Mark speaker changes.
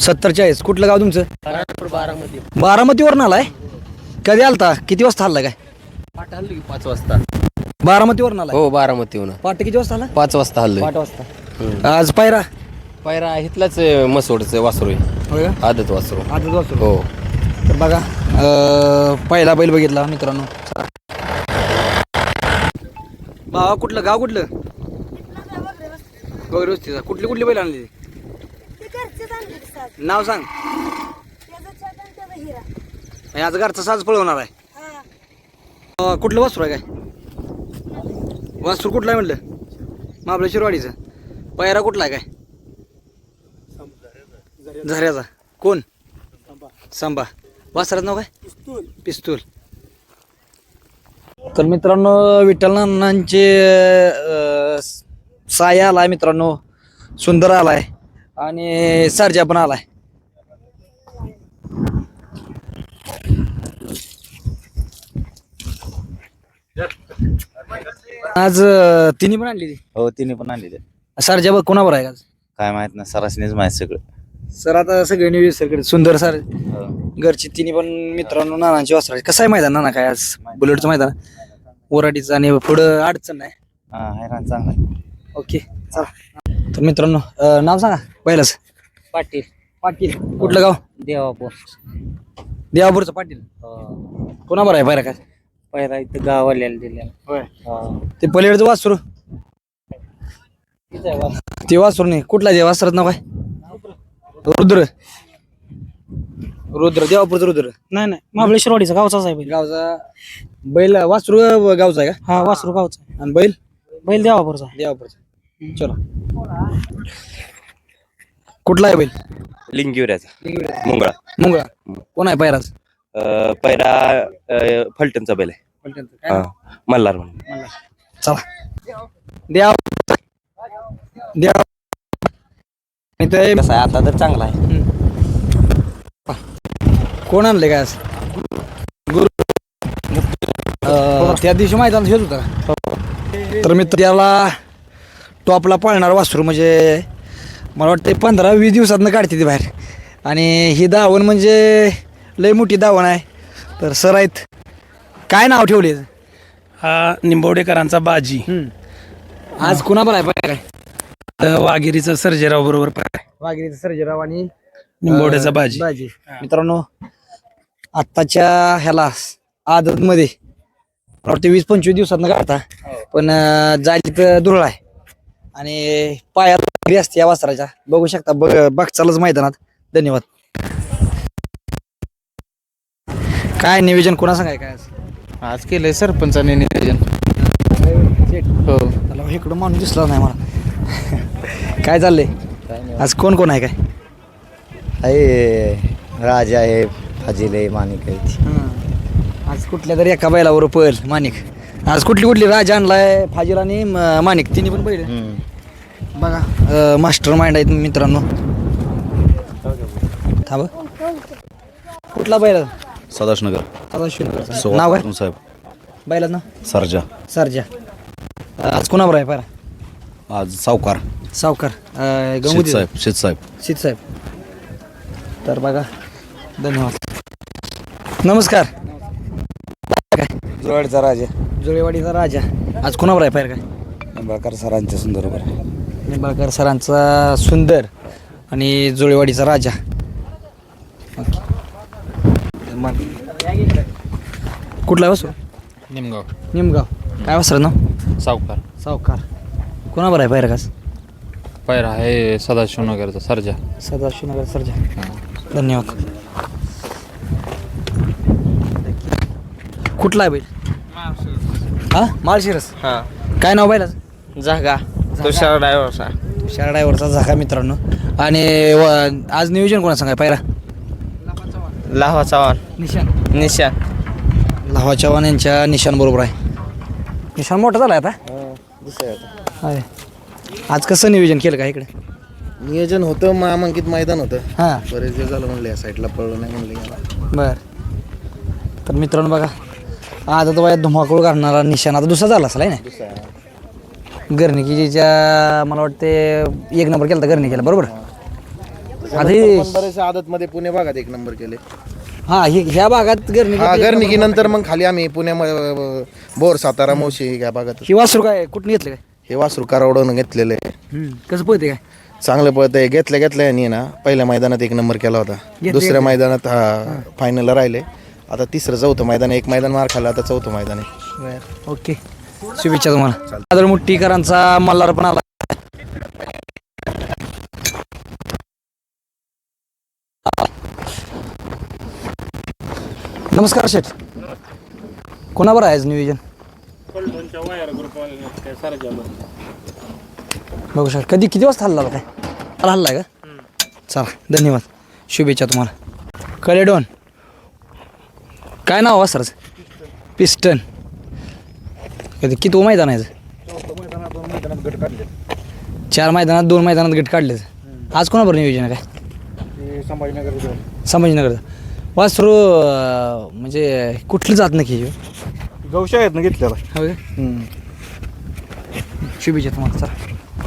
Speaker 1: 70-40. कुठलं गाव तुमचं?
Speaker 2: बारामती.
Speaker 1: बारामतीवरून आलाय. कधी आलता? किती वाजता आला काय?
Speaker 2: पाठ हल्ली 5 वाजता.
Speaker 1: बारामतीवरून आलाय.
Speaker 2: हो बारामतीहून
Speaker 1: पाट किती वाजता आला?
Speaker 2: 5 वाजता हल्लो.
Speaker 1: 8 वाजता. आज पायरा
Speaker 2: पायरा इथलाच मसोडचं वासरू आहे.
Speaker 1: होय का?
Speaker 2: आदत वासरू.
Speaker 1: आज वाजता.
Speaker 2: हो.
Speaker 1: तर बघा पहिला बैल बघितला मित्रांनो. भावा कुठलं गाव कुठलं? वगैरे वस्तीचा. कुठली कुठली बैल आणली? नाव सांग. आज घरचा साज पळवणार आहे. कुठलं वासरू आहे काय? वासरू कुठलं आहे म्हटलं? आपल्या शिरवाडीचं. पायरा कुठला आहे काय? झऱ्याचा. कोण? सांबा. वासराचं नाव काय? पिस्तूल. तर मित्रांनो विठ्ठल नानांचे साया आलाय मित्रांनो. सुंदर आलाय आणि सर्जा पण आलाय. आज तिन्ही पण आणली.
Speaker 3: हो तिने पण आणलेले.
Speaker 1: सर्जा बघ कोणावर आहे आज?
Speaker 3: काय माहित ना सरासनीच माहित सगळं.
Speaker 1: सर आता सगळे न्यूज सरकडे सुंदर सर
Speaker 3: हो.
Speaker 1: घरची तिन्ही पण मित्रांनो नानांची वासरा. कसं आहे मैदान नाना काय आज? बुलेटचं मैदान ओराडीचं आणि पुढं अडचण नाही.
Speaker 3: हा हैराण चांगला आहे.
Speaker 1: ओके चला. तर मित्रांनो नाव सांगा पहिलंच.
Speaker 2: पाटील.
Speaker 1: पाटील. कुठलं गाव?
Speaker 2: देवापूर.
Speaker 1: देवापूरचं पाटील. कोणावर आहे पायरा काय?
Speaker 2: पायरा इथं गावाल्याला दिल्या.
Speaker 1: होय. ते पलीकडचं वासरू. ते वासरू नाही. कुठला देव वासरात नाव काय? रुद्र. रुद्र. देवापूरचं रुद्र.
Speaker 4: नाही नाही महाबळेश्वरवाडीचा गावचाच आहे बैल.
Speaker 1: गावचा बैल. वासरू गावचा आहे का?
Speaker 4: हा वासरू गावचा आहे.
Speaker 1: आणि बैल
Speaker 4: बैल देवापूरचा.
Speaker 1: देवापूरचा. चलो. कुठला आहे बैल?
Speaker 3: लिंगिवऱ्याचा मुंगळा.
Speaker 1: मुंगळा. कोण आहे पायराज?
Speaker 3: पहिला फलटणचा बैल आहे. हा, मल्हार म्हणून.
Speaker 1: चला. देवा देवा. इथे
Speaker 3: कसं आहे आता तर चांगला आहे.
Speaker 1: कोण आणले काय आज? गुरु. त्या दिवशी मैदान हेच होता का? तर मी त्याला टॉपला पळणार वासरू म्हणजे मला वाटतं 15-20 दिवसातनं काढते ती बाहेर. आणि ही धावण म्हणजे लय मोठी धावण आहे. तर सर आहेत. काय नाव ठेवले?
Speaker 4: हा निंबवडेकरांचा बाजी.
Speaker 1: आज कुणाबर आहे पाय काय?
Speaker 4: वाघेरीचा सर्जेराव बरोबर पाय.
Speaker 1: वाघिरीचा सर्जेराव आणि
Speaker 4: निंबवड्याचा बाजी.
Speaker 1: बाजी. मित्रांनो आत्ताच्या ह्याला आदत मध्ये मला वाटतं 20-25 दिवसातनं काढता. पण जायची तर दुरळ आहे आणि पायात घरी असते या वासराच्या. बघू शकता बघचालच मैदानात. धन्यवाद. काय नियोजन कोणा सांगाय काय
Speaker 5: आज केलंय सरपंचाने नियोजन. हो
Speaker 1: त्याला इकडं माणूस दिसला नाही मला. काय चाललंय आज? कोण कोण आहे काय?
Speaker 3: आहे राजा आहे, फाजील आहे, माणिक आहे.
Speaker 1: आज कुठल्या तरी एका बैलावर पळ माणिक. आज कुठली कुठली राजा आणलाय? फाजील आणि माणिक तिन्ही पण बैल. बघा मास्टर माइंड आहेत मित्रांनो. थांब. कुठला बैल?
Speaker 3: सदाशिवनगर.
Speaker 1: नाव काय
Speaker 3: साहेब
Speaker 1: बैलाच ना?
Speaker 3: सरजा.
Speaker 1: सरजा. आज कोणावर आहे पायरा?
Speaker 3: आज सावकार
Speaker 1: सावकार.
Speaker 3: शेत साहेब. शेत साहेब.
Speaker 1: शीत साहेब. तर बघा धन्यवाद. नमस्कार. काय
Speaker 3: जुळवाडीचा राजा.
Speaker 1: जुळेवाडीचा राजा. आज कोणावर आहे पायरा काय?
Speaker 3: निंबाळकर सरांच्या सुंदर बरोबर.
Speaker 1: निंबाळकर सरांचा सुंदर आणि जुळेवाडीचा राजा. कुठला वासरू?
Speaker 5: निमगाव.
Speaker 1: निमगाव. काय वासर ना?
Speaker 5: सावकार.
Speaker 1: सावकार. कोणावर आहे पायरा कास?
Speaker 5: पायरा आहे सदाशिवनगरचा सर्जा.
Speaker 1: सदाशिवनगर सर्जा. धन्यवाद. कुठला आहे बैल? हा माळशिरस.
Speaker 2: हा
Speaker 1: काय नाव बैलाचं?
Speaker 2: जागा. तुषार ड्रायव्हरचा.
Speaker 1: तुषार ड्रायव्हरचा झाका मित्रांनो. आणि आज नियोजन कोणा सांगाय पायरा?
Speaker 2: लावा चव्हाण.
Speaker 1: निशान.
Speaker 2: निशान.
Speaker 1: लावा चव्हाण यांच्या निशान बरोबर आहे. निशान मोठा झाला आता. आहे. आज कसं नियोजन केलं का इकडे?
Speaker 3: नियोजन होतं मामांकित मैदान होतं.
Speaker 1: हां
Speaker 3: बरेच दिवस झालं म्हणले या साईडला पळलं नाही म्हणले.
Speaker 1: बर. तर मित्रांनो बघा आता तो वयात धुमाकूळ घालणारा निशाण आता दुसरा झाला असेल आहे ना? गर्णिकीच्या मला वाटते 1 नंबर केला तर गर्णिकीला बरोबर. आता हे
Speaker 6: बरेचसे आदत मध्ये पुणे भागात एक नंबर केले.
Speaker 1: हा ह्या भागात गर्णी
Speaker 6: हा गर्निकी नंतर मग खाली आम्ही पुण्यामध्ये बोर सातारा मोशी ह्या भागात
Speaker 1: ही वासरू काय कुठून घेतलं काय
Speaker 6: हे वासरू कारवडून घेतलेले आहे.
Speaker 1: कसं पळते काय
Speaker 6: चांगलं पळतंय. घेतल्या यांनी ना पहिल्या मैदानात एक नंबर केला होता. दुसऱ्या मैदानात हा फायनलला राहिले. आता तिसरं चौथं मैदान, एक मैदान मार खाल्ला, आता चौथं मैदान आहे.
Speaker 1: ओके शुभेच्छा तुम्हाला. आदर मुट्टीकरांचा मल्हार पण आला. नमस्कार शेठ, कोणावर आहे आज नियोजन? बघू शकता. किती वाजता हल्ला काय हल्लाय का? चला धन्यवाद, शुभेच्छा तुम्हाला. कलेडॉन काय नाव वासराचं? पिस्टन. किती मैदान आहे? 4 मैदानात 2 मैदानात गट काढले. आज कोणाबरोबर नियोजन आहे काय? संभाजीनगर. वासरू म्हणजे कुठलं जात नक्की?
Speaker 6: गौशाळेत घेतलेला.
Speaker 1: हो का? शुभेच्छा तुम्हाला. चला.